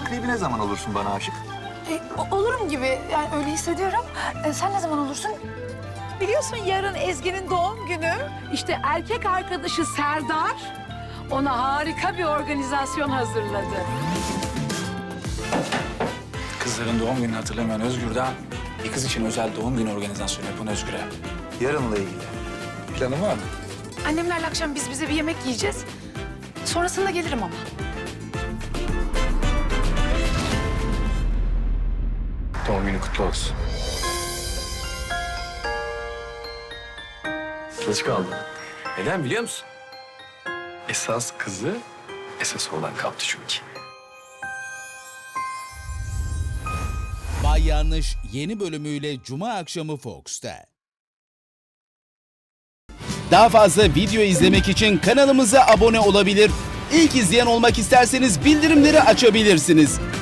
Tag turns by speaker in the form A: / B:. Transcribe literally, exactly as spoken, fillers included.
A: takribi ne zaman olursun bana aşık?
B: E, o- olurum gibi. Yani öyle hissediyorum. E, sen ne zaman olursun?
C: Biliyorsun yarın Ezgi'nin doğum günü. İşte erkek arkadaşı Serdar ona harika bir organizasyon hazırladı.
D: Kızların doğum gününü hatırlamayan Özgür'den bir kız için özel doğum günü organizasyonu yapan Özgür'e.
A: Yarınla ilgili. Planın var mı?
B: Annemlerle akşam biz bize bir yemek yiyeceğiz. Sonrasında gelirim ama.
D: Doğum günü kutlu olsun.
E: Geç kaldı.
D: Neden biliyor musun?
E: Esas kızı esas olan kaptı çünkü.
F: Bay Yanlış yeni bölümüyle Cuma akşamı Fox'ta. Daha fazla video izlemek için kanalımıza abone olabilir. İlk izleyen olmak isterseniz bildirimleri açabilirsiniz.